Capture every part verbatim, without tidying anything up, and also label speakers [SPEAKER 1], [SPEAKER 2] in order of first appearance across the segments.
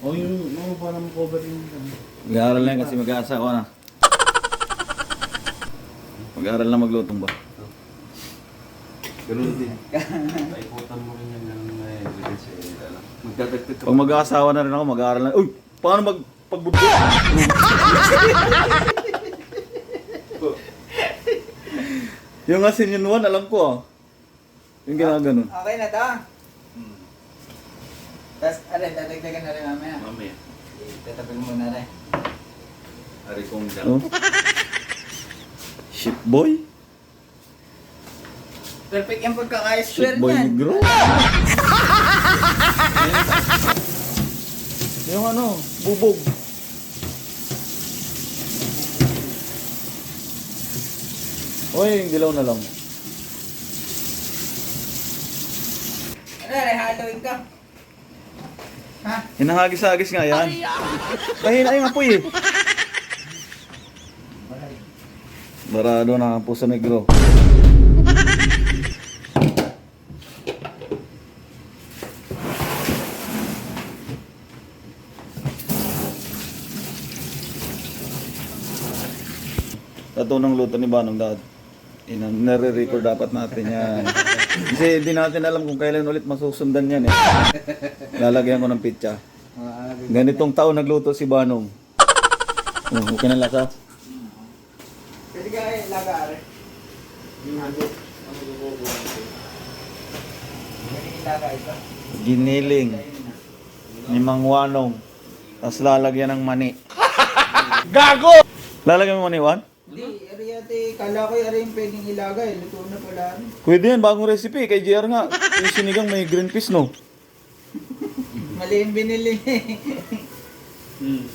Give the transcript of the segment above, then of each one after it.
[SPEAKER 1] O yung mga parang cover yung...
[SPEAKER 2] Mag-aaral na yan kasi mag-aasawa na. Mag-aaral na maglutong ba?
[SPEAKER 1] Ganun din. Paiputan mo rin yan ng evidence eh. Magdadagdag ka.
[SPEAKER 2] Pag mag-aasawa na rin ako, mag-aaral na. Uy! Paano mag pagbudyo? Yung asin yun one, alam ko ah. Yung ginaganon.
[SPEAKER 3] Okay na to. Hmm. Tapos, aray, dadagdagan na rin mamaya.
[SPEAKER 1] Mamaya.
[SPEAKER 3] Tatapin mo na rin.
[SPEAKER 1] Ari kong dyan.
[SPEAKER 2] Oh. Ship boy?
[SPEAKER 3] Perfect yung
[SPEAKER 2] Ship
[SPEAKER 3] pagkaka-square
[SPEAKER 2] boy
[SPEAKER 3] niyan.
[SPEAKER 2] negro? Yung ano, bubog. Oy, yung dilaw na lang.
[SPEAKER 3] Ano, aray, haloin ka. Ha?
[SPEAKER 2] Hinahagis-hagis nga yan. Mahina yung apoy eh. Barado na ang puso negro. Tatunang luto ni Banong dad. Inang nare-record dapat natin yan. Kasi hindi natin alam kung kailan ulit masusundan yan eh. Lalagyan ko ng pitsa. Ganitong taon nagluto si Banong. Oh, okay na lasa.
[SPEAKER 3] Pwede ka eh, laga, aray.
[SPEAKER 1] Yung halo. Ano gugugulo?
[SPEAKER 3] Pwede ilaga ito.
[SPEAKER 2] Giniling ni Mang Wanong. Tapos lalagyan ng mani. Gago! Lalagyan mo mani, Wan?
[SPEAKER 3] Hindi, aray ate, kala ko aray yung pwedeng ilaga eh. Luto na pala. aray.
[SPEAKER 2] Pwede yan, bagong recipe. Kay J R nga. Yung sinigang may green peas, no?
[SPEAKER 3] Mali yung binili.
[SPEAKER 1] Hmm.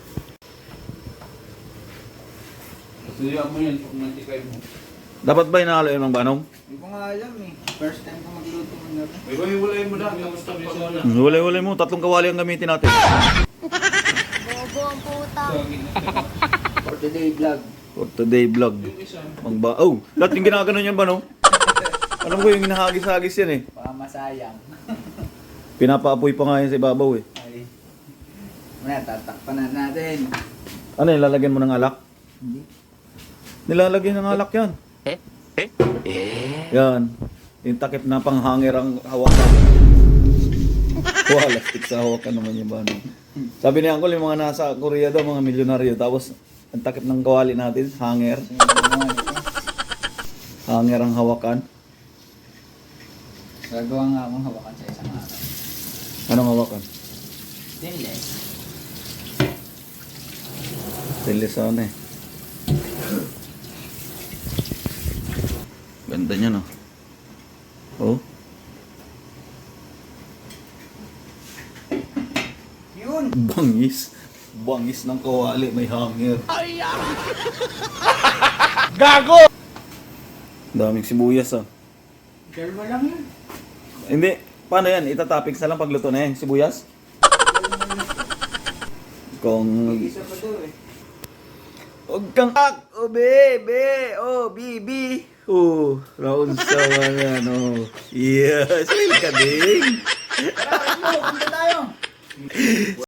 [SPEAKER 1] Suya mo yan pag mantikay mo.
[SPEAKER 2] Dapat ba inahalo yun ng Banong?
[SPEAKER 3] Hindi ko nga alam eh. First time ko magluto mo na rin.
[SPEAKER 1] May wala mo lang. Tapos tabi sa wala.
[SPEAKER 2] Wala-wala mo. Tatlong kawali ang gamitin natin.
[SPEAKER 4] Bobo ang puta.
[SPEAKER 3] For today vlog.
[SPEAKER 2] For today vlog. Magba oh, lahat yung ginaganon yan ba, no? Alam ko yung hinahagis-hagis yan eh.
[SPEAKER 3] Baka masayang.
[SPEAKER 2] Pinapaapoy pa nga yan sa ibabaw eh.
[SPEAKER 3] Ay. Muna, tatakpan na natin.
[SPEAKER 2] Ano yung lalagyan mo ng alak?
[SPEAKER 3] Hindi.
[SPEAKER 2] Nilalagyan ng alak yan. Eh? Eh? Yan. Yung takip na panghanger ang hawakan. Wala, stick sa hawakan naman yung ba, no? Sabi ni Uncle, yung mga nasa Korea daw, mga milyonaryo. Tapos, ang takip ng kawali natin, hanger. Hanger ang hawakan.
[SPEAKER 3] Gagawa nga akong hawakan sa isang araw.
[SPEAKER 2] Anong hawakan?
[SPEAKER 3] Stainless.
[SPEAKER 2] Stainless ano eh. Ganda niya, no? Oh.
[SPEAKER 3] Yun!
[SPEAKER 2] Bangis. Bangis ng kawali, may hanger.
[SPEAKER 1] Gago!
[SPEAKER 2] Daming sibuyas, ah.
[SPEAKER 3] Dalawa lang yun.
[SPEAKER 2] Hindi. Paano yan? Itatoppings na lang pagluto na yan. Sibuyas? Kung...
[SPEAKER 3] Isa pa daw eh.
[SPEAKER 2] Huwag kang ak! Oh, be! Be! Oh, bibi! Oh, round sa mga, no? Yes! Smile ka din!
[SPEAKER 3] Tara, let's go! Punta tayo!